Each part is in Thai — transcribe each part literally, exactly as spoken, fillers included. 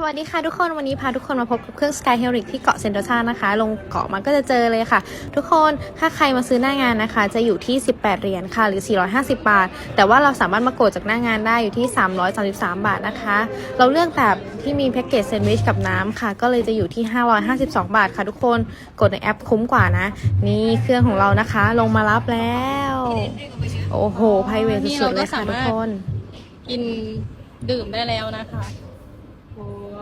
วัสดีค่ะทุกคนวันนี้พาทุกคนมาพบกับเครื่อง Sky Helix ที่เกาะเซนโตซานะคะลงเกาะมันก็จะเจอเลยค่ะทุกคนถ้าใครมาซื้อหน้างานนะคะจะอยู่ที่สิบแปดเหรียญค่ะหรือสี่ร้อยห้าสิบบาทแต่ว่าเราสามารถมากดจากหน้างานได้อยู่ที่สามร้อยสามสิบสามบาทนะคะเราเลือกแบบที่มีแพ็กเกจแซนด์วิชกับน้ำค่ะก็เลยจะอยู่ที่ห้าร้อยห้าสิบสองบาทค่ะทุกคนกดในแอปคุ้มกว่านะนี่เครื่องของเรานะคะลงมารับแล้วโอ้โหไพรเวทสุดๆเลยค่ะทุกคนกินดื่มได้แล้วนะคะโอ้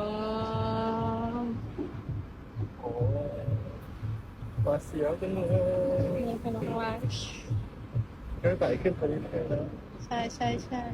โอ้ปลาเสียวจังเลยนี่เป็นข้างล่างก็ไต่ขึ้นไปเรื่อยๆแล้วใช่ใช่ใช่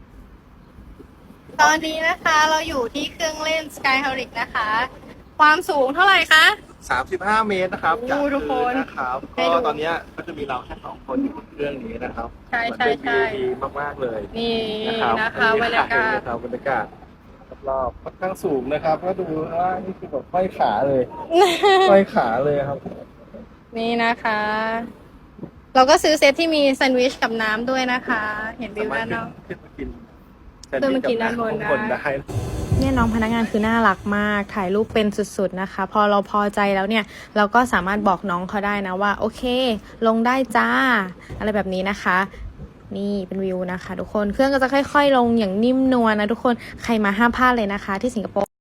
ตอนนี้นะคะเราอยู่ที่เครื่องเล่น Sky Helix นะคะ ความสูงเท่าไหร่คะสามสิบห้าเมตรนะครับโอ้จากทุกคนพื้นนะครับให้ก็ดูตอนเนี้ยก็จะมีเราแค่สองคนอยู่บนเครื่องนี้นะครับใช่ใช่มันเป็นใช่วิวดีมากๆเลยนี่นะครับนะคะบรรยากาศนะครับบรรยากาศรอบๆค่อนข้างสูงนะครับก็ดูว่านี่คือแบบห้อยขาเลยห้อยขาเลยครับนี่นะคะ เราก็ซื้อเซตที่มีแซนด์วิชกับน้ำด้วยนะคะ เห็นวิวด้านนอกขึ้นมากินขึ้นมากินด้านบนได้ข้งได้เนี่ยน้องพนักงานคือน่ารักมากถ่ายรูปเป็นสุดๆนะคะพอเราพอใจแล้วเนี่ยเราก็สามารถบอกน้องเขาได้นะว่าโอเคลงได้จ้าอะไรแบบนี้นะคะนี่เป็นวิวนะคะทุกคนเครื่องก็จะค่อยๆลงอย่างนิ่มนวลนะทุกคนใครมาห้ามพลาดเลยนะคะที่สิงคโปร์